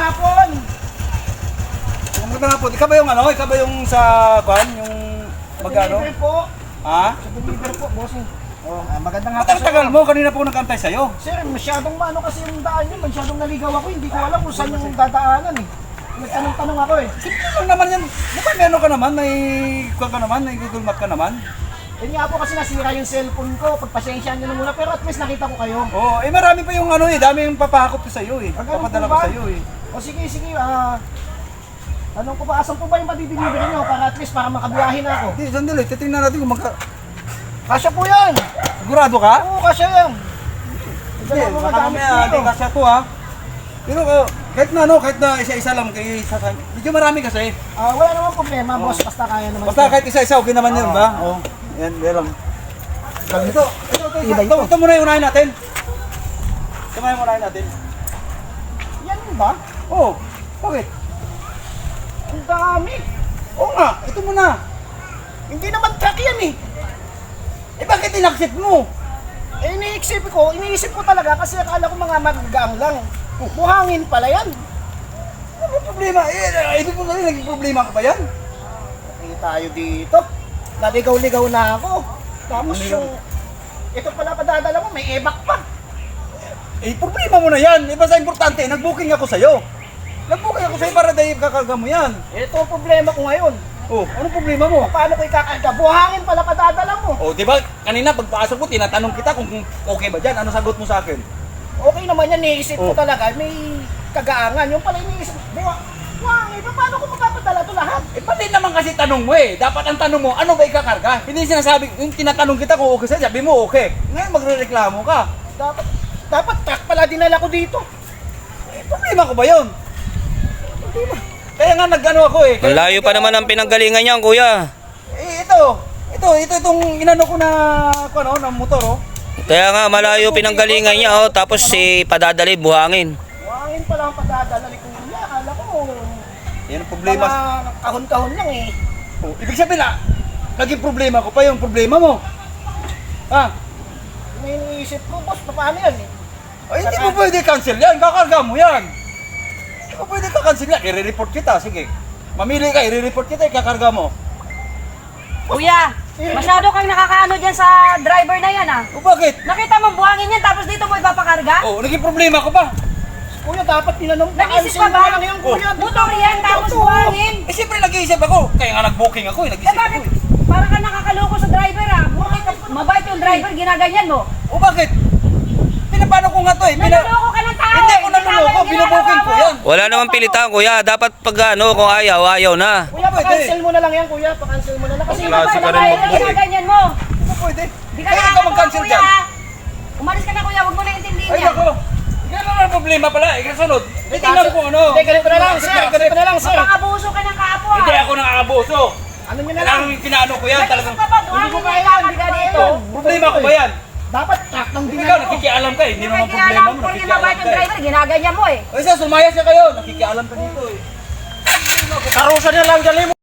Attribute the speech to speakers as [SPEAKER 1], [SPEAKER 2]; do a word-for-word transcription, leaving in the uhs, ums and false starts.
[SPEAKER 1] hapon.
[SPEAKER 2] Magandang hapon. Ikaw ba yung ano? Ikaw ba yung sa kwan? Yung magano?
[SPEAKER 1] Deliver po.
[SPEAKER 2] Ha?
[SPEAKER 1] Sa deliver po, bossing. Oh, ah, magandang hapon.
[SPEAKER 2] Matagal-tagal mo. Kanina po nagkantay sa'yo.
[SPEAKER 1] Sir, masyadong maano kasi yung daan niyo, masyadong naligaw ako. Hindi ko alam kung saan yung dadaanan eh. Nagtanong-tanong ako eh.
[SPEAKER 2] Simple lang naman yan. Mukhang may ano ka naman, may kwan ka naman, may Google Map ka naman.
[SPEAKER 1] Yun nga po kasi nasira yung cellphone ko. Pagpasensyaan nyo na muna, pero at least nakita ko kayo.
[SPEAKER 2] Oo, eh marami pa yung ano eh, dami yung papahakot ko sa'yo eh.
[SPEAKER 1] Ah, ganun
[SPEAKER 2] Papadala
[SPEAKER 1] po
[SPEAKER 2] ko
[SPEAKER 1] ba?
[SPEAKER 2] sa'yo eh.
[SPEAKER 1] O sige, sige, ah... tanong ko ba, asan po ba yung madideliver nyo? Para at least, para makabiyahin na ako.
[SPEAKER 2] Hindi, sandali, titingnan natin kung magka...
[SPEAKER 1] Kasya po yan!
[SPEAKER 2] Sigurado ka?
[SPEAKER 1] Oo, kasya yan!
[SPEAKER 2] Hindi, baka mamaya, hindi kasya to ha. Pero uh, kahit na ano, kahit na isa-isa lang, kay isa sa... Medyo marami kasi.
[SPEAKER 1] Ah, wala namang problema, boss. Basta kaya naman.
[SPEAKER 2] Basta
[SPEAKER 1] ito.
[SPEAKER 2] kahit isa-isa, okay naman yun ba? Oo. Yan, yan lang. Ito, ito, ito, ito,
[SPEAKER 1] Iba
[SPEAKER 2] ito,
[SPEAKER 1] ito.
[SPEAKER 2] ito muna yung unahin natin. Ito muna yung unahin natin.
[SPEAKER 1] Yan ba?
[SPEAKER 2] Oo, bakit?
[SPEAKER 1] Ang dami!
[SPEAKER 2] Oo nga, ito muna.
[SPEAKER 1] Hindi naman truck yan eh!
[SPEAKER 2] Eh bakit inaksit mo?
[SPEAKER 1] Eh, iniisip ko, iniisip ko talaga kasi akala ko mga magagaang lang. Buhangin pala yan.
[SPEAKER 2] Ano problema? Eh, ibig mo na naging problema ka ba yan?
[SPEAKER 1] Hindi tayo dito. Naligaw-ligaw na ako. Tapos yung... Ito pala padadala mo, may ebak pa.
[SPEAKER 2] Eh, problema mo na yan. Eh, basta importante, nag-booking ako sa'yo. Nag-booking ako sa'yo para dahil kakarga mo yan.
[SPEAKER 1] Ito ang problema ko ngayon.
[SPEAKER 2] Oh, anong problema mo?
[SPEAKER 1] Paano ko ikakarga? Buhangin pala padadala mo.
[SPEAKER 2] Oh, di ba kanina pagpasok ko, tinatanong kita kung okay ba dyan. Ano sagot mo sa akin?
[SPEAKER 1] Okay naman yan, iniisip ko
[SPEAKER 2] Oh.
[SPEAKER 1] talaga. May kagaangan. Yung pala iniisip, buha, buhangin, paano ko magpapadala ito lahat?
[SPEAKER 2] Eh, pati naman kasi tanong mo eh. Dapat ang tanong mo, ano ba ikakarga? Hindi sinasabi, yung tinatanong kita kung okay sa'yo, sabi mo okay. Ngayon magre-reklamo ka.
[SPEAKER 1] Dapat, dapat truck pala dinala ko dito.
[SPEAKER 2] Eh, problema ko ba yun? Kaya nga nag-ano ako eh. Kaya-
[SPEAKER 3] Malayo pa naman ang pinanggalingan niyan, kuya.
[SPEAKER 2] Eh, ito. Ito, ito itong inano ko na, kung ano, ng motor oh.
[SPEAKER 3] Kaya nga malayo pinanggalingan niya, oh, tapos si padadali buhangin.
[SPEAKER 1] Buhangin pala ang padadala ni Kuya. Akala ko,
[SPEAKER 2] Yan ang problema.
[SPEAKER 1] mga kahon-kahon lang eh.
[SPEAKER 2] Oh, ibig sabihin na, naging problema ko pa yung problema mo. Ha?
[SPEAKER 1] May iniisip ko, boss, paano yan eh?
[SPEAKER 2] Ay, hindi mo pwede cancel yan. Kakarga mo yan. Hindi mo pwede ka-cancel yan. I-report kita. Sige. Mamili ka. I-report kita. Ikakarga mo.
[SPEAKER 4] Kuya, masyado kang nakakaano dyan sa driver na yan ah.
[SPEAKER 2] O bakit?
[SPEAKER 4] Nakita mo buhangin yan tapos dito mo ipapakarga?
[SPEAKER 2] Oh, naging problema ko pa.
[SPEAKER 1] Kuya, dapat tinanong
[SPEAKER 4] Nag-isip
[SPEAKER 1] pa-cancel
[SPEAKER 4] ka ba?
[SPEAKER 1] mo lang yan, Kuya.
[SPEAKER 4] Motor yan tapos
[SPEAKER 1] Totoo.
[SPEAKER 4] buhangin.
[SPEAKER 2] Eh, siyempre nag-iisip ako. Kaya nga nag-booking ako eh.
[SPEAKER 4] Eh
[SPEAKER 2] Nag-iisip
[SPEAKER 4] bakit?
[SPEAKER 2] ako eh.
[SPEAKER 4] Para ka nakakaloko sa driver ah. Bakit ka, mabait yung driver, ginaganyan mo.
[SPEAKER 2] O bakit? Pinapano ko nga to eh. Pina-
[SPEAKER 4] Naloloko ka ng tao
[SPEAKER 2] Hindi
[SPEAKER 4] eh.
[SPEAKER 2] ako naluloko.
[SPEAKER 4] Tama yung
[SPEAKER 2] Binubooking
[SPEAKER 4] ginagawa
[SPEAKER 2] ko
[SPEAKER 4] mo.
[SPEAKER 2] yan.
[SPEAKER 3] Wala namang pilitan, kuya. Dapat pag ano, kung ayaw, ayaw na.
[SPEAKER 1] Kuya, pa-cancel mo na lang yan, Kuya. Pa-cancel mo na lang. Kasi
[SPEAKER 4] Kasi mabait yung driver, ginaganyan mo.
[SPEAKER 2] Hindi mo pwede.
[SPEAKER 4] Di ka
[SPEAKER 2] Kaya ka
[SPEAKER 4] nakakatawa,
[SPEAKER 2] mag-cancel
[SPEAKER 4] kuya.
[SPEAKER 2] dyan.
[SPEAKER 4] Umalis ka na kuya, huwag mo na intindihin
[SPEAKER 2] Ay,
[SPEAKER 4] yan.
[SPEAKER 2] ako. Yan naman ang problema pala. Eh, kasunod. Hindi tingnan ko ano.
[SPEAKER 1] Hindi, ganito na lang, sir. Ganito na lang, sir.
[SPEAKER 4] Mapang-abuso ka ng kapwa.
[SPEAKER 2] Hindi ako nakakabuso.
[SPEAKER 1] Ano nyo na lang?
[SPEAKER 2] Kailangan yung kinaano ko yan. Talagang
[SPEAKER 4] Nag-isip ka ba?
[SPEAKER 1] Hindi
[SPEAKER 4] Buhangin
[SPEAKER 1] ko
[SPEAKER 4] yan,
[SPEAKER 1] kaya,
[SPEAKER 4] dapat
[SPEAKER 1] hindi ka
[SPEAKER 4] ba
[SPEAKER 1] dito.
[SPEAKER 4] ito?
[SPEAKER 2] problema ko ba yan?
[SPEAKER 1] Dapat truck ng
[SPEAKER 2] Ikaw,
[SPEAKER 1] dinala ko.
[SPEAKER 2] nakikialam ka eh. Hindi
[SPEAKER 4] Hindi
[SPEAKER 2] naman
[SPEAKER 4] mo
[SPEAKER 2] problema
[SPEAKER 4] alam
[SPEAKER 2] mo.
[SPEAKER 4] kung yung
[SPEAKER 2] Nakikialam
[SPEAKER 4] mabait
[SPEAKER 2] ka
[SPEAKER 4] yung
[SPEAKER 2] eh.
[SPEAKER 4] driver, ginaganyan mo eh.
[SPEAKER 2] O isa, sumaya siya kayo. Nakikialam ka dito eh.
[SPEAKER 1] Karusa niya lang, dali mo.